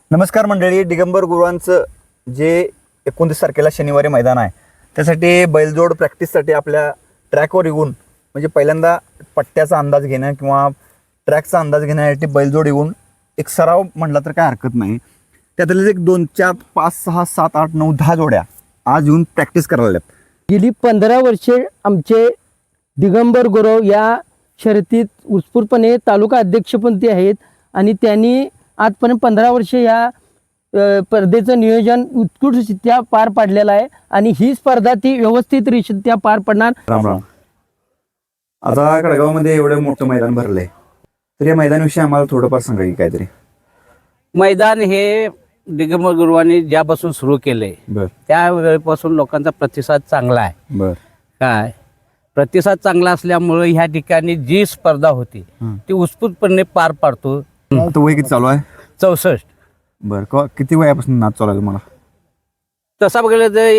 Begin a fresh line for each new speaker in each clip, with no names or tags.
नमस्कार मंडळी. दिगंबर गुरुवांचं जे 29 तारखेला शनिवारी मैदान आहे त्यासाठी बैलजोड प्रॅक्टिससाठी आपल्या ट्रॅकवर येऊन म्हणजे पहिल्यांदा पट्ट्याचा अंदाज घेणं किंवा ट्रॅकचा अंदाज घेण्यासाठी बैलजोड येऊन एक सराव म्हटला तर काय हरकत नाही. त्यातले एक 2, 4, 5, 6, 7, 8, 9, 10 जोड्या आज येऊन प्रॅक्टिस करायला लागल्यात.
गेली 15 वर्षे आमचे दिगंबर गुरव या शर्यतीत उत्स्फूर्तपणे तालुका अध्यक्षपण ते आहेत आणि त्यांनी आजपर्यंत 15 वर्षे या स्पर्धेचं नियोजन उत्कृष्टरित्या पार पाडलेलं आहे आणि ही स्पर्धा ती व्यवस्थितरित्या पार पडणार.
राम राम. आता कडगावमध्ये एवढं मोठं मैदान भरलंय तर या मैदानाविषयी आम्हाला थोडंफार सांगा की काहीतरी.
मैदान हे दिगंबर गुरुवांनी ज्यापासून सुरू केले
बर
त्या वेळेपासून लोकांचा प्रतिसाद चांगला आहे.
बर
काय प्रतिसाद चांगला असल्यामुळे ह्या ठिकाणी जी स्पर्धा होती ती उत्स्फूर्तपणे पार पाडतो.
तो वय किती चालू आहे?
64.
बर किती वयापासून नाच चालू आहे तुम्हाला?
तसा बघितलं तर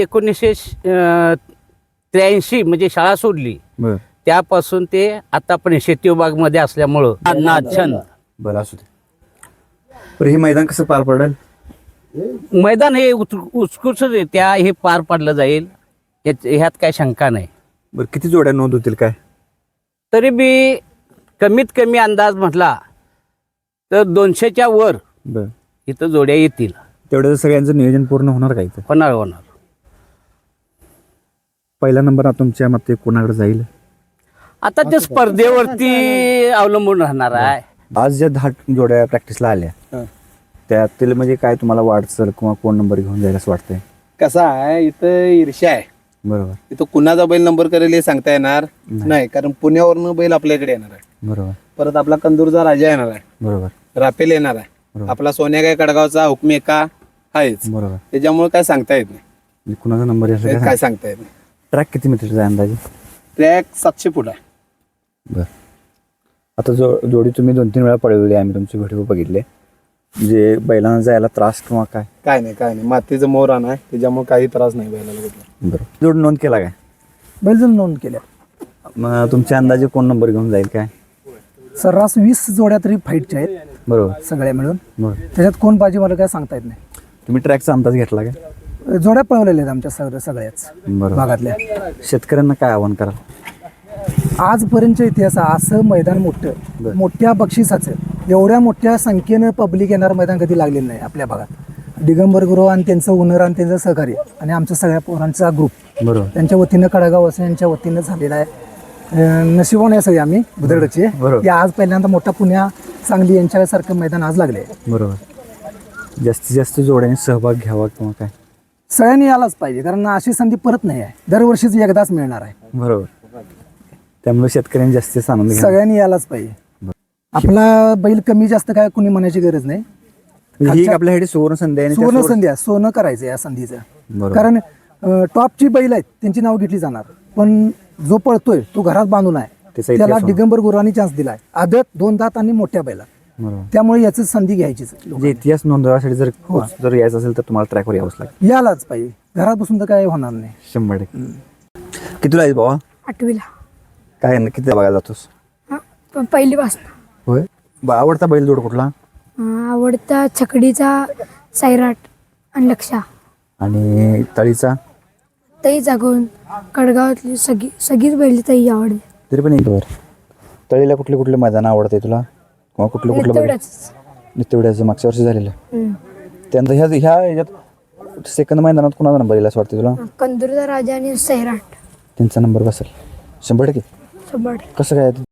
1983 म्हणजे शाळा सोडली
बर
त्यापासून ते आतापर्यंत शेती विभागमध्ये असल्यामुळं नाचन
बरं असू दे. बरं हे मैदान कसं पार पडेल?
मैदान हे उत्कृष्टरित्या हे पार पाडलं जाईल ह्यात काही शंका नाही.
बरं किती जोड्या नोंद होतील काय?
तरी बी कमीत कमी अंदाज म्हटला तर 200च्या वर
बर
इथं जोड्या येतील.
तेवढं सगळ्यांचं नियोजन पूर्ण होणार का इथं?
होणार.
पहिला नंबर आता तुमच्या मते कोणाकडे जाईल?
आता ते स्पर्धेवरती अवलंबून राहणार आहे.
आज ज्या 10 जोड्या प्रॅक्टिसला आल्या त्यातील म्हणजे काय तुम्हाला वाटचाल किंवा कोण नंबर घेऊन जाईल असं वाटतंय?
कसं आहे इथं ईर्ष्या आहे.
बरोबर
इथं कुणाचा बैल नंबर करेल हे सांगता येणार नाही कारण पुण्यावरनं बैल आपल्याकडे येणार आहे.
बरोबर
परत आपला कंदूरचा राजा येणार आहे,
बरोबर
राफेल येणार आहे,
बरोबर.
आपला सोन्या काय कडगावचा हुकमी एका आहेच.
बरोबर.
त्याच्यामुळे काय सांगता येत नाही.
म्हणजे कुणाचा नंबर येईल
काय सांगता येत नाही.
ट्रॅक किती मीटरचा आहे अंदाजे?
ट्रॅक 700 फूट आहे.
बर आता जोडी तुम्ही 2-3 वेळा पळवली, आम्ही तुमचे व्हिडिओ बघितले. म्हणजे बैलांना जायला त्रास किंवा काय?
काय नाही मातीचं मोरान आहे त्याच्यामुळे काही त्रास नाही बैलाला कुठला.
बरं जोड नोंद केला काय?
बैलजण नोंद केल्या.
मग तुमच्या अंदाजे कोण नंबर घेऊन जाईल काय?
सर्रास 20 जोड्या तरी फाईटच्या आहेत
बरोबर
सगळ्या मिळून.
बरोबर.
त्याच्यात कोण बाजी मला काय सांगता येत नाही.
तुम्ही ट्रॅकचा अंदाज घेतला काय?
जोड्या पळवलेल्या आहेत आमच्या सगळ्याच
बरोबर.
भागातल्या.
शेतकऱ्यांना काय आव्हान कराल?
आजपर्यंतच्या इतिहासात असं मैदान मोठं मोठ्या बक्षिसाचं एवढ्या मोठ्या संख्येनं पब्लिक येणारं मैदान कधी लागलेलं नाही आपल्या भागात. दिगंबर गुरव आणि त्यांचं ओनर आणि त्यांचं सहकार्य आणि आमच्या सगळ्या पोरांचा ग्रुप
बरोबर
त्यांच्या वतीनं कडगाववासियांच्या वतीनं झालेला आहे. नशिबाने आहे सगळे आम्ही बुदरडचे
बरोबर.
की आज पहिल्यांदा मोठा पुण्या सांगली यांच्यासारखं मैदान आज लागले.
बरोबर. जास्तीत जास्त जोड्याने सहभाग घ्यावा किंवा काय?
सगळ्यांनी यायलाच पाहिजे कारण अशी संधी परत नाही आहे. दरवर्षीच एकदाच मिळणार आहे.
बरोबर. त्यामुळे शेतकऱ्यांनी जास्तीत आनंद घ्या.
सगळ्यांनी यायलाच पाहिजे. आपला बैल कमी जास्त काय कुणी म्हणायची गरज नाही.
ही एक आपल्यासाठी सुवर्ण संधी आहे आणि त्या
सुवर्ण संधी आहे. सोनं करायचं या संधीचं.
बरोबर.
कारण टॉपची बैल आहेत त्यांची नाव घेतली जाणार पण जो पळतोय तो घरात बांधून आहे
त्याचा इतिहास
त्याला
होणार.
दिगंबर गुरुवांनी चान्स दिलाय. आदत 2 दात आणि मोठ्या बैला
बरोबर.
त्यामुळे याची संधी घ्यायचीच.
म्हणजे इतिहास नोंदवण्यासाठी जर यायचं असेल तर तुम्हाला ट्रॅकवर यावंच लागेल.
यालाच पाहिजे. घरात बसून तर काय होणार नाही.
100%. कितीला आहे बाबा?
8वीला.
काय किती बघायला जातोस?
पहिलीपासून.
होय. आवडता बैलजोड कुठला?
आवडता छकडीचा सैराट आणि लक्षा.
आणि तळीचा?
तई जागून कडगावातली सगळीच बैल तई आवडते.
तरी पण एक वर तळीला कुठले कुठले मैदान आवडते तुला किंवा कुठलं
तेवढंच.
तेवढ्याचं मागच्या वर्षी झालेलं? त्यानंतर ह्याच्यात सेकंड मैदानात कुणाचा नंबर येईल असं वाटतं तुला?
कंदूरचा राजा आणि सैराट.
त्यांचा नंबर बसेल 100%.
100.
कसं काय?